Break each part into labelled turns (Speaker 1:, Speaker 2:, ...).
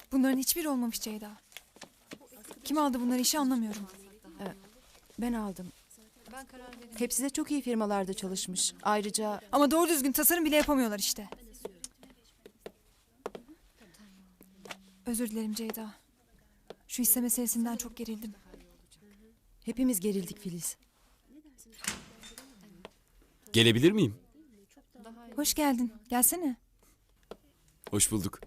Speaker 1: Bunların hiçbiri olmamış Ceyda. Kim aldı bunları işi anlamıyorum.
Speaker 2: Ben aldım. Hepsi de çok iyi firmalarda çalışmış. Ayrıca
Speaker 1: Ama doğru düzgün tasarım bile yapamıyorlar işte. Özür dilerim Ceyda. Şu hisse meselesinden çok gerildim.
Speaker 2: hepimiz gerildik Filiz.
Speaker 3: Gelebilir miyim?
Speaker 1: Hoş geldin. Gelsene.
Speaker 3: Hoş bulduk.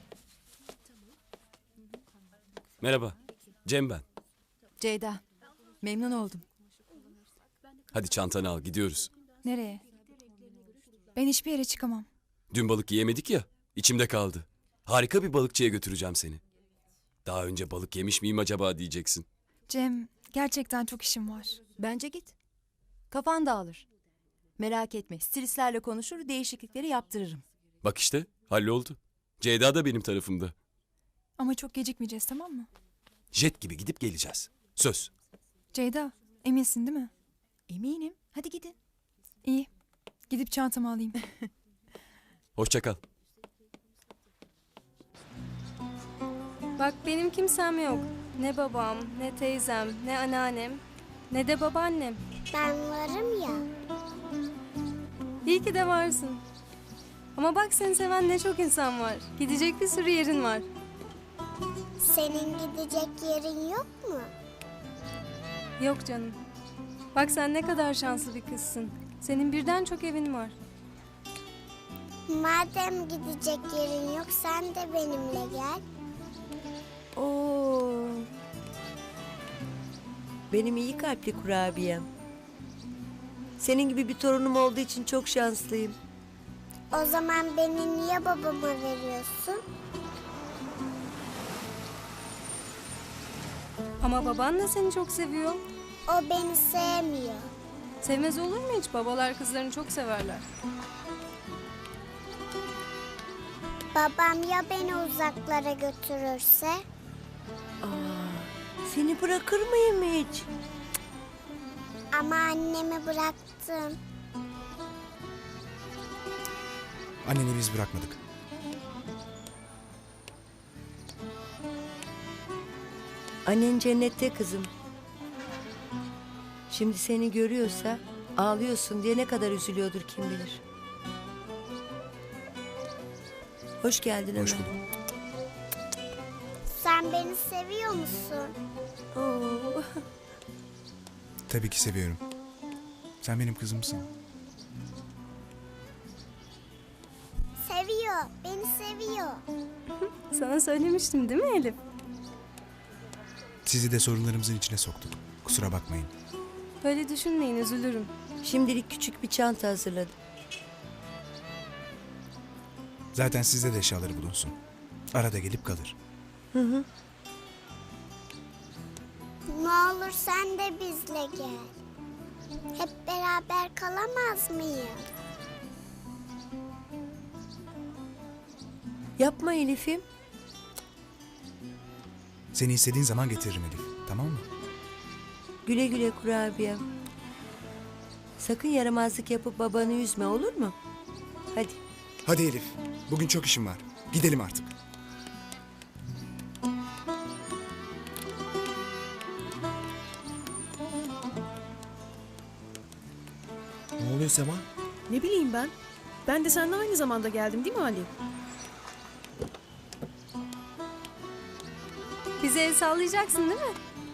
Speaker 3: Merhaba. Cem ben.
Speaker 2: Ceyda, memnun oldum.
Speaker 3: Hadi çantanı al, gidiyoruz.
Speaker 1: Nereye? Ben hiçbir yere çıkamam.
Speaker 3: Dün balık yiyemedik ya, içimde kaldı. Harika bir balıkçıya götüreceğim seni. Daha önce balık yemiş miyim acaba diyeceksin.
Speaker 1: Cem, gerçekten çok işim var.
Speaker 2: Bence git. Kafan dağılır. Merak etme, stilistlerle konuşur, değişiklikleri yaptırırım.
Speaker 3: Bak işte, halloldu. Ceyda da benim tarafımda.
Speaker 1: Ama çok gecikmeyeceğiz, tamam mı?
Speaker 3: Jet gibi gidip geleceğiz. Söz.
Speaker 1: Ceyda, eminsin değil mi?
Speaker 2: Eminim. Hadi gidin.
Speaker 1: İyi. Gidip çantamı alayım.
Speaker 3: Hoşça kal.
Speaker 4: Bak benim kimsem yok. Ne babam, ne teyzem, ne anneannem, ne de babaannem.
Speaker 5: Ben varım ya.
Speaker 4: İyi ki de varsın. Ama bak seni seven ne çok insan var. Gidecek bir sürü yerin var.
Speaker 5: Senin gidecek yerin yok mu?
Speaker 4: Yok canım. Bak sen ne kadar şanslı bir kızsın. Senin birden çok evin var.
Speaker 5: Madem gidecek yerin yok sen de benimle gel.
Speaker 6: Oo. Benim iyi kalpli kurabiyem. Senin gibi bir torunum olduğu için çok şanslıyım.
Speaker 5: O zaman beni niye babama veriyorsun?
Speaker 4: Ama baban da seni çok seviyor.
Speaker 5: O beni sevmiyor.
Speaker 4: Sevmez olur mu hiç? Babalar kızlarını çok severler.
Speaker 5: Babam ya beni uzaklara götürürse?
Speaker 6: Seni bırakır mıyım hiç?
Speaker 5: Ama annemi bıraktım.
Speaker 7: Anneni biz bırakmadık.
Speaker 6: Annen cennette kızım. Şimdi seni görüyorsa ağlıyorsun diye ne kadar üzülüyordur kim bilir. Hoş geldin
Speaker 7: Hoş
Speaker 6: Ömer.
Speaker 7: bulduk.
Speaker 5: Sen beni seviyor musun?
Speaker 6: Oo.
Speaker 7: Tabii ki seviyorum. Sen benim kızımsın.
Speaker 5: Seviyor. Beni seviyor.
Speaker 4: Sana söylemiştim değil mi Elif?
Speaker 7: Sizi de sorunlarımızın içine soktuk. Kusura bakmayın.
Speaker 4: Böyle düşünmeyin, üzülürüm.
Speaker 6: Şimdilik küçük bir çanta hazırladım.
Speaker 7: Zaten sizde de eşyaları bulunsun. Arada gelip kalır.
Speaker 5: Ne olur sen de bizle gel. Hep beraber kalamaz mıyız?
Speaker 6: Yapma Elif'im.
Speaker 7: Seni istediğin zaman getiririm Elif. Tamam mı?
Speaker 6: Güle güle kurabiyem. Sakın yaramazlık yapıp babanı üzme, olur mu? Hadi.
Speaker 7: Hadi Elif. Bugün çok işim var. Gidelim artık.
Speaker 8: Ne oluyor Sema?
Speaker 9: Ne bileyim ben. Ben de seninle aynı zamanda geldim değil mi Ali?
Speaker 4: Bize el sallayacaksın değil mi?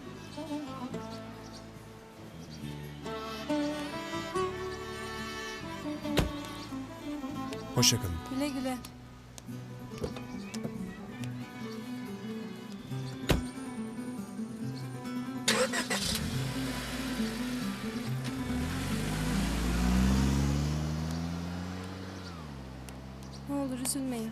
Speaker 7: Hoşça kalın.
Speaker 4: Güle güle. Ne olur üzülmeyin.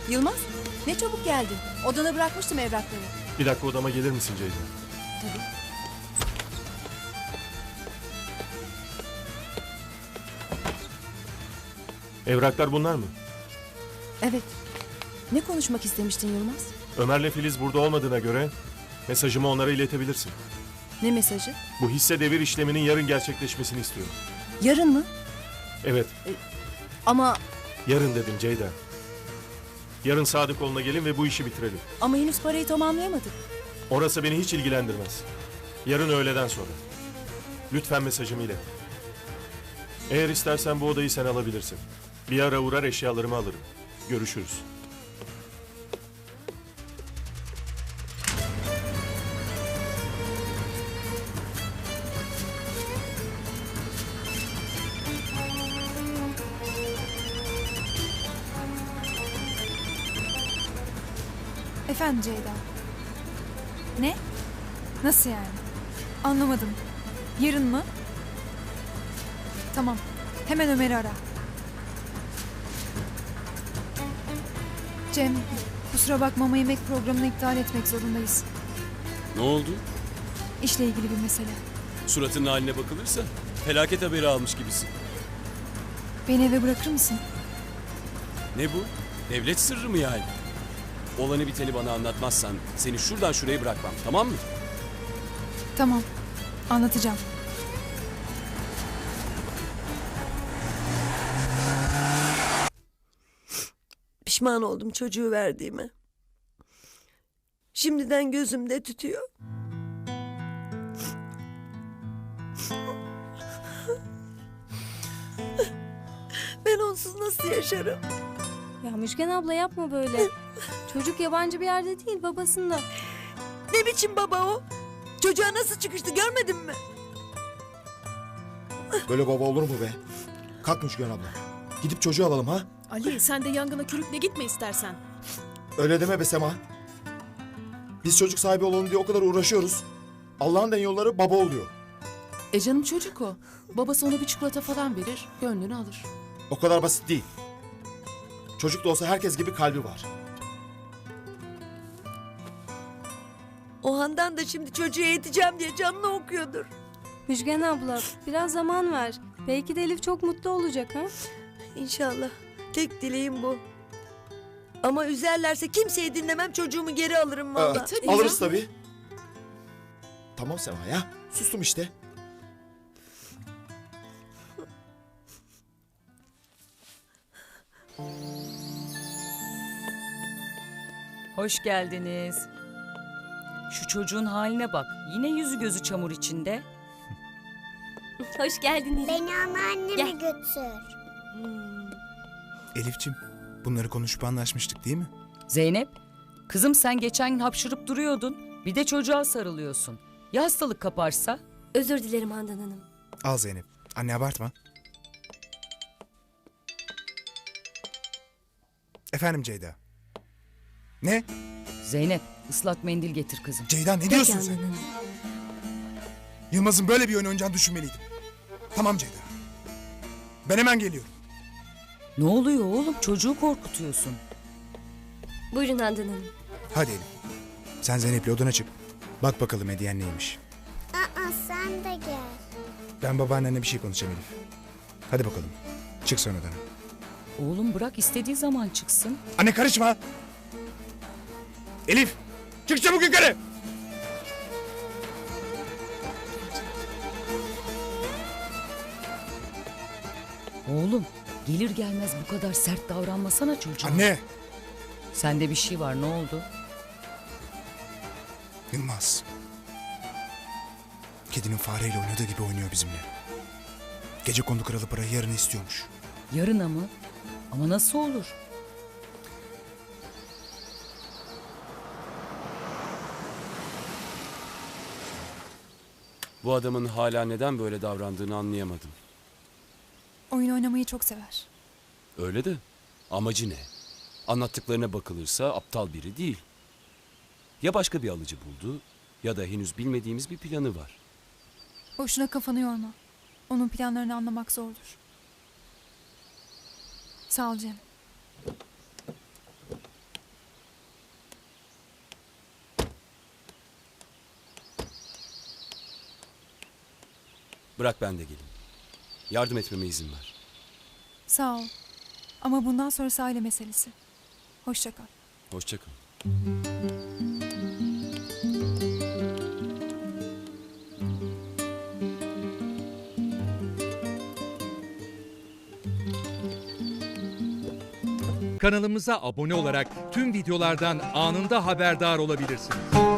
Speaker 2: Yılmaz, ne çabuk geldin. Odana bırakmıştım evrakları.
Speaker 10: Bir dakika odama gelir misin Ceyda?
Speaker 2: Tabii.
Speaker 10: Evraklar bunlar mı?
Speaker 2: Evet. Ne konuşmak istemiştin Yılmaz?
Speaker 10: Ömer'le Filiz burada olmadığına göre mesajımı onlara iletebilirsin.
Speaker 2: Ne mesajı?
Speaker 10: Bu hisse devir işleminin yarın gerçekleşmesini istiyorum.
Speaker 2: Yarın mı?
Speaker 10: Evet,
Speaker 2: Ama
Speaker 10: yarın dedim Ceyda. Yarın Sadıkoğlu'na gelin ve bu işi bitirelim.
Speaker 2: henüz parayı tamamlayamadık.
Speaker 10: Orası beni hiç ilgilendirmez. Yarın öğleden sonra. Lütfen mesajımı ilet. Eğer istersen bu odayı sen alabilirsin. Bir ara uğrar eşyalarımı alırım. Görüşürüz.
Speaker 1: Efendim Ceyda. Ne? Nasıl yani? Anlamadım. Yarın mı? Tamam. Hemen Ömer'i ara. Cem, kusura bakma ama yemek programını iptal etmek zorundayız.
Speaker 3: Ne oldu?
Speaker 1: İşle ilgili bir mesele.
Speaker 3: Suratının haline bakılırsa felaket haberi almış gibisin.
Speaker 1: Beni eve bırakır mısın?
Speaker 3: Ne bu? Devlet sırrı mı yani? Olanı biteni bana anlatmazsan seni şuradan şuraya bırakmam, tamam mı?
Speaker 1: Tamam. Anlatacağım.
Speaker 6: Pişman oldum çocuğu verdiğime. Şimdiden gözümde tütüyor. Ben onsuz nasıl yaşarım?
Speaker 4: Ya Müjgan abla yapma böyle. Çocuk yabancı bir yerde değil, babasında.
Speaker 6: Ne biçim baba o? Çocuğa nasıl çıkıştı görmedin mi?
Speaker 8: Böyle baba olur mu be? Kalk Müşken abla. Gidip çocuğu alalım ha?
Speaker 9: Ali sen de yangına körükle gitme istersen.
Speaker 8: Öyle deme be Sema. Biz çocuk sahibi olalım diye o kadar uğraşıyoruz. Allah'ın en yolları baba oluyor.
Speaker 11: Canım çocuk o. Babası ona bir çikolata falan verir, gönlünü alır.
Speaker 8: O kadar basit değil. Çocuk da olsa herkes gibi kalbi var.
Speaker 6: O Handan da şimdi çocuğu eğiteceğim diye canını okuyordur.
Speaker 4: Müjgan abla biraz zaman ver. Belki de Elif çok mutlu olacak ha.
Speaker 6: İnşallah. Tek dileğim bu. Ama üzerlerse kimseyi dinlemem, çocuğumu geri alırım valla.
Speaker 11: tabii
Speaker 8: Alırız tabii. Tamam Sema ya. Sustum işte.
Speaker 12: Hoş geldiniz. Şu çocuğun haline bak. Yine yüzü gözü çamur içinde.
Speaker 4: Hoş geldiniz.
Speaker 5: Beni anneanneme götür.
Speaker 7: Elifçim, bunları konuşup anlaşmıştık değil mi?
Speaker 12: Zeynep, kızım sen geçen gün hapşırıp duruyordun. Bir de çocuğa sarılıyorsun. Ya hastalık kaparsa?
Speaker 4: Özür dilerim Handan Hanım.
Speaker 7: Al Zeynep. Anne abartma. Efendim Ceyda. Ne?
Speaker 12: Zeynep, ıslak mendil getir kızım.
Speaker 7: Ceyda ne diyorsun sen? Yılmaz'ın böyle bir oyun oynayacağını düşünmeliydim. Tamam Ceyda. Ben hemen geliyorum.
Speaker 12: Ne oluyor oğlum? Çocuğu korkutuyorsun.
Speaker 4: Buyurun Handan Hanım.
Speaker 7: Hadi Elif. Sen Zeynep'le odana çık. Bak bakalım hediyen neymiş.
Speaker 5: Aa, sen de gel.
Speaker 7: Ben babaannenle bir şey konuşacağım Elif. Hadi bakalım. Çık sen odana.
Speaker 12: Oğlum bırak istediği zaman çıksın.
Speaker 7: Anne karışma. Elif. Çık çabuk yukarı.
Speaker 12: Oğlum gelir gelmez bu kadar sert davranmasana çocuğa.
Speaker 7: Anne.
Speaker 12: Sende bir şey var, ne oldu?
Speaker 7: Yılmaz. Kedinin fareyle oynadığı gibi oynuyor bizimle. Gecekondu kralı parayı yarın istiyormuş.
Speaker 12: Yarına mı? Ama nasıl olur?
Speaker 3: Bu adamın hala neden böyle davrandığını anlayamadım.
Speaker 1: Oyun oynamayı çok sever.
Speaker 3: Öyle de amacı ne? Anlattıklarına bakılırsa aptal biri değil. Ya başka bir alıcı buldu ya da henüz bilmediğimiz bir planı var.
Speaker 1: Boşuna kafanı yorma. Onun planlarını anlamak zordur. Sağ ol Cem.
Speaker 3: Bırak ben de geleyim. Yardım etmeme izin ver.
Speaker 1: Sağ ol. Ama bundan sonrası aile meselesi. Hoşça kal.
Speaker 3: Hoşça kal.
Speaker 13: Kanalımıza abone olarak tüm videolardan anında haberdar olabilirsiniz.